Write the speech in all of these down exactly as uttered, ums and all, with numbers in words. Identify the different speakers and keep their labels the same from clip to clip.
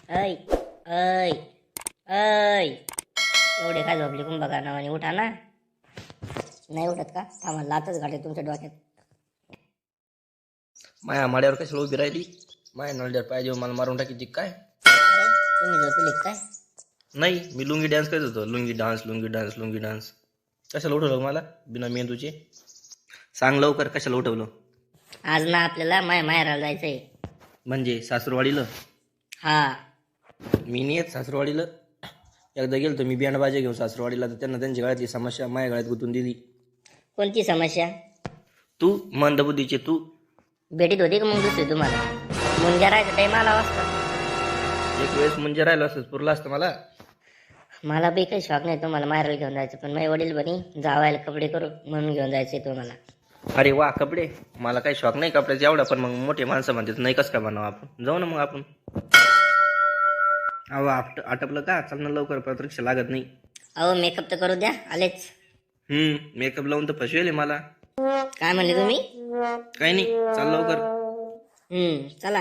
Speaker 1: ऐ ऐ ऐ एवढे काय झोपले कुंभ बघा नावाने उठा ना. नाही उठत का? थांबा लातच घाटे तुमच्या डोक्यात.
Speaker 2: माया माड्यावर कशाला उभी राहिली? माया नळड्यावर पाहिजे मला मारून टाकीची काय?
Speaker 1: अरे तुम्ही झोपले काय?
Speaker 2: नाही, मी लुंगी डान्स करत होतो. Lungi dance lungi dance lungi dance. कशाला उठवलं मला बिना मेंदूचे? सांग लवकर कशाला उठवलं?
Speaker 1: आज ना आपल्याला माय माहेराला जायचंय.
Speaker 2: म्हणजे सासूरवाडीला?
Speaker 1: हा.
Speaker 2: मी नाही येत सासूरवाडीला. एकदा गेलो मी बँड बाजा घेऊन सासूरवाडीला, तर त्यांना त्यांची गळ्यातली समस्या माझ्या गळ्यात गुंतून दिली.
Speaker 1: कोणती समस्या?
Speaker 2: तू मंदबुद्धीचे तू.
Speaker 1: भेटीत होती का मग दुसरी तुम्हाला? मुंग्या राहायचा टाईम आला वाजता.
Speaker 2: एक वेळेस म्हणजे राहिलो असंच पुरलं असतं मला.
Speaker 1: मला बी काही शॉक नाही तुम्हाला माहेराला घेऊन जायचं, पण माझे वडील बनी जावायला कपडे करू म्हणून घेऊन जायचे तुम्हाला.
Speaker 2: अरे वा कपडे. मला काही शॉक नाही कपड्याचा एवढा, पण मग मोठे माणसं म्हणतात नाही कसं काय बनावं आपण. जाऊ ना मग आपण. अहो आट आटपलं का? चाल ना लवकर, प्रतीक्षा लागत नाही.
Speaker 1: अहो मेकअप तर करू द्या आलेच.
Speaker 2: हम्म मेकअप लावून तर फसवेल मला.
Speaker 1: काय म्हणले तुम्ही?
Speaker 2: काही नाही, चाल लवकर.
Speaker 1: हम्म चला.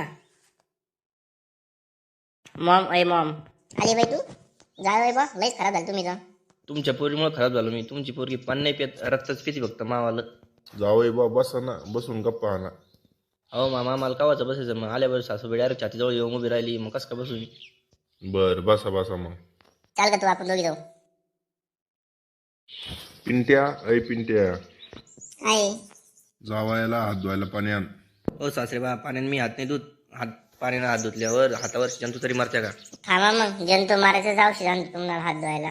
Speaker 1: मॉम ऐ मॉम. आली बाई तू? जा बाई बा, लईच खराब झाली तुम्ही जा.
Speaker 2: तुमच्या पोरीमुळे खराब झालो मी. तुमची पोरगी पाणी नाही पित, रक्तच पिती फक्त मावाला.
Speaker 3: जावई बा बसा ना, बसून गप्पा आणा.
Speaker 2: अहो मामा मला कावाचं बसायचं मग आल्यावर सासूबाई डायरेक्ट छातीजवळ येऊन उभी राहिली, मग कसं का बसू मी?
Speaker 3: बर बसा बसा मग.
Speaker 1: चाल का तू आपण दोघी जाऊ.
Speaker 3: पिंट्या ऐ पिंट्या,
Speaker 1: काय?
Speaker 3: जावायला हात धुवायला पाणी आण.
Speaker 2: हो सासरे बा, पाण्याने मी हात नाही धुत. हात पाण्याने हात धुतल्यावर हातावर जंतू तरी मारत्या का?
Speaker 1: थांबा मग, जंतू मारायचं जाऊ शकतो तुम्हाला हात धुवायला.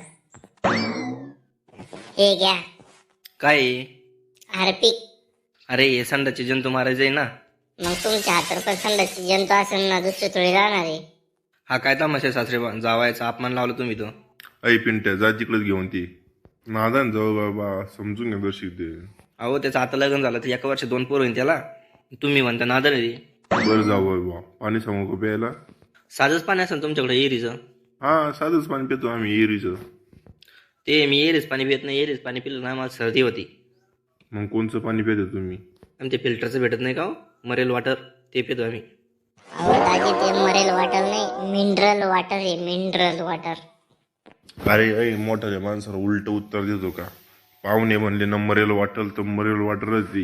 Speaker 1: हे घ्या
Speaker 2: काय आहे?
Speaker 1: हार्पिक.
Speaker 2: अरे हे संडाचे जंतू मारायचे आहे ना.
Speaker 1: मग तुमच्या हातावर पण संडासची जंतू असेल ना, दुसरी थोडी राहणार आहे.
Speaker 2: हा काय तमाशा सासरे बा? जावायचा अपमान लावला तुम्ही तो.
Speaker 3: ऐ पिंट्या जा तिकडेच घेऊन ती नादान जाऊ बाबा, समजून घे दर्शिक दे.
Speaker 2: अहो त्याचं आता लग्न झालं तर एका वर्ष दोन पोरं होईल त्याला. तुम्ही म्हणता नादर आहे.
Speaker 3: बर जावई बा, पाणी सांगू का प्यायला?
Speaker 2: साधंच पाणी असेल तुमच्याकडे एरीचं?
Speaker 3: हा साधंच पाणी पितो आम्ही एरीचं.
Speaker 2: ते मी एरीच पाणी पित नाही. एरीच पाणी पिलं ना मला सर्दी होती.
Speaker 3: मग कोणचं पाणी पितो तुम्ही?
Speaker 2: आणि ते फिल्टरचं भेटत नाही का हो? मरेल वॉटर, ते पितो आम्ही.
Speaker 1: अहो दादी, ते मरेल वॉटर नाही, मिनरल वॉटर आहे. Mineral water.
Speaker 3: अरे ऐ मोठ्या माणसाला उलट उत्तर देतो का? पाहुणे म्हणले ना मरेल वाटल तर मरेल वाटरच दे.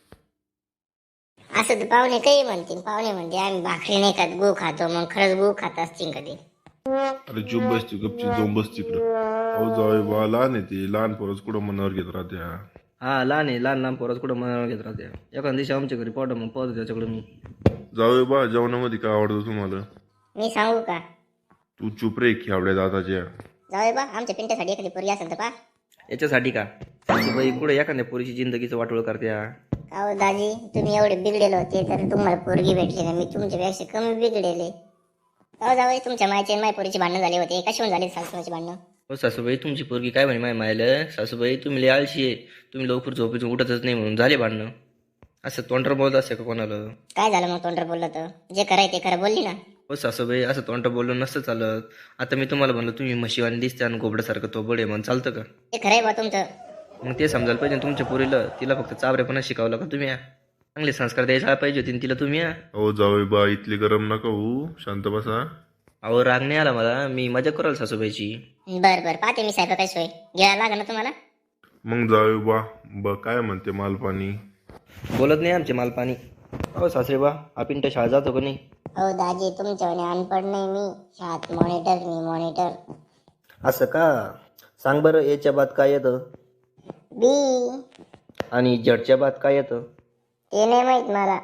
Speaker 1: असं तर पाहुणे काही म्हणतील. पाहुणे म्हणते आम्ही भाकरी नाही खात, गू खातो. मग खरंच गू खात असतील कधी?
Speaker 3: अरे चुप बसती गपची जाऊन बस तिकडं. अहो जावई बा लहान आहे ते, लहान पोरच कुठं मनावर घेत राहत्या.
Speaker 2: हा लहान आहे, लहान लहान पोराच कुठं मनावर घेत राहते. एखाद्या दिवशी आमच्या घरी पावडं मग पाहतो त्याच्याकडे मी.
Speaker 3: जावई बा जेवणामध्ये काय आवडतं तुम्हाला?
Speaker 1: मी सांगू का?
Speaker 3: तू चुप रे खेवड्या दादाच्या.
Speaker 1: जाऊ बा, आमच्या पिंट्यासाठी एखादी पोरगी असेल तर पा.
Speaker 2: याच्यासाठी का? बाई कुठे एखाद्या पोरीची जिंदगीचं वाटोळ करत्या.
Speaker 1: अहो दाजी, तुम्ही एवढे बिघडेले होते तर तुम्हाला पोरगी भेटली ना. मी तुमच्यापेक्षा कमी बिघडेले. अहो जाऊ, तुमच्या मायचे आणि माझ्या पोरीचे भांडणं झाले होते. कशाहून झाले सासूचे भांडणं?
Speaker 2: हो सासूबाई, तुमची पोरगी काय म्हणे माय मायला? सासूबाई तुम्ही लय आळशी आहे, तुम्ही लवकर झोपेतून उठतच नाही म्हणून झाले भांडणं. असं तोंडर बोलत असे का कोणाला?
Speaker 1: काय झालं मग तोंडर बोललं तर? जे कराय ते खरं बोलली ना.
Speaker 2: हो सासूबाई, असं तोंड बोललं नसतं चालत. आता मी तुम्हाला म्हणलं तुम्ही म्हशीवानी दिसते आणि गोबड्यासारखं तो बडे म्हणून चालतं का?
Speaker 1: ते खरंय बा तुमचं.
Speaker 2: मग ते समजायला पाहिजे तुमच्या पोरीला. तिला फक्त चाबरेपणा शिकवलं का तुम्ही? चांगले संस्कार द्यायला पाहिजे होते तिला तुम्ही.
Speaker 3: अहो जावई बा इथले गरम नका होऊ, शांत बसा.
Speaker 2: अहो राग नाही आला मला, मी मजा कराल सासूबाईची.
Speaker 1: बर बर, पाहते मी साहेब काय सोय. घ्यायला लागेल ना तुम्हाला.
Speaker 3: मग जावई बा ब काय म्हणते मालपाणी?
Speaker 2: बोलत नाही आमचे मालपाणी. हो सासरे बा, हा पिंट्या शाळा जातो का नाही?
Speaker 1: हो दाजी, तुमच्यावाने अनपड नाही मी. शाळेत मॉनिटर मी मॉनिटर.
Speaker 2: असं का? सांग बरं, याच्या बाद काय येतं?
Speaker 1: बी.
Speaker 2: आणि जडच्या बाद काय येतं?
Speaker 1: ते नाही माहित मला.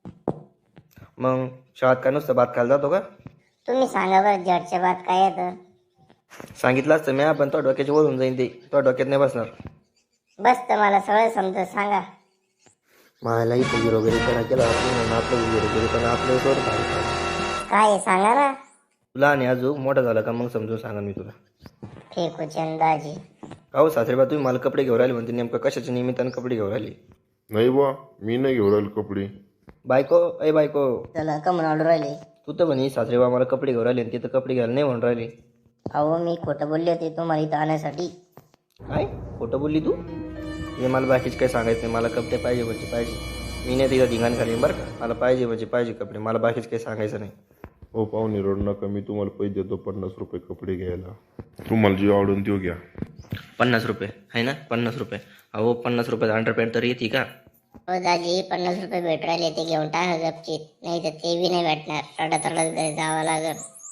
Speaker 2: मग शाळेत काय नुसतं भात खायला जातो का?
Speaker 1: तुम्ही सांगा बरं, जडच्या बाद काय येतं?
Speaker 2: सांगितलं असतं मी, पण तो डोक्याची वळून जाईन ते. तो डोक्यात नाही बसणार.
Speaker 1: बस तर मला सगळं समजत सांगा.
Speaker 2: मला इथं हिरो वगैरे करा केला म्हणून आपलं हिरो वगैरे पण आपलं सोड.
Speaker 1: काय आहे सांगा ना.
Speaker 2: तुला आणि अजून मोठा झाला का मग समजून सांगा मी तुला.
Speaker 1: फेकू दाजी.
Speaker 2: हो सासरेबा, तुम्ही मला कपडे घेऊन राहिले म्हणते, नेमकं कशाच्या निमित्तानं कपडे घेऊन राहिले?
Speaker 3: नाही बा, मी नाही घेऊन राहिलो कपडे.
Speaker 2: बायको अय बायको,
Speaker 1: चला का म्हणून ऑर्डर राहिले?
Speaker 2: तू तर म्हणे सासरेबा मला कपडे घेऊन राहिले, तिथं कपडे घ्यायला नाही म्हणून राहिले.
Speaker 1: अहो मी खोटं बोलले होते तुम्हाला इथं आणण्यासाठी.
Speaker 2: काय खोटं बोलली तू? हे मला बाकीच काही सांगायचं नाही. मला कपडे पाहिजे म्हणजे पाहिजे. मी नाही तिथं धिंगाण घालीन बरं का. मला पाहिजे म्हणजे पाहिजे कपडे. मला बाकीच काही सांगायचं नाही.
Speaker 3: हो पाहुणे रोड नका, मी तुम्हाला पैसे देतो पन्नास रुपये कपडे घ्यायला. तुम्हाला जे आवडून तो घ्या.
Speaker 2: पन्नास रुपये आहे ना, पन्नास रुपये. अहो पन्नास रुपयात अंडरपॅन्ट तर येते का?
Speaker 1: हो दाजी, पन्नास रुपये भेटू राहिले ते घेऊन टाका गपचीत, नाही तर ते बी नाही भेटणार. रडत रडत घरी जावं लागेल.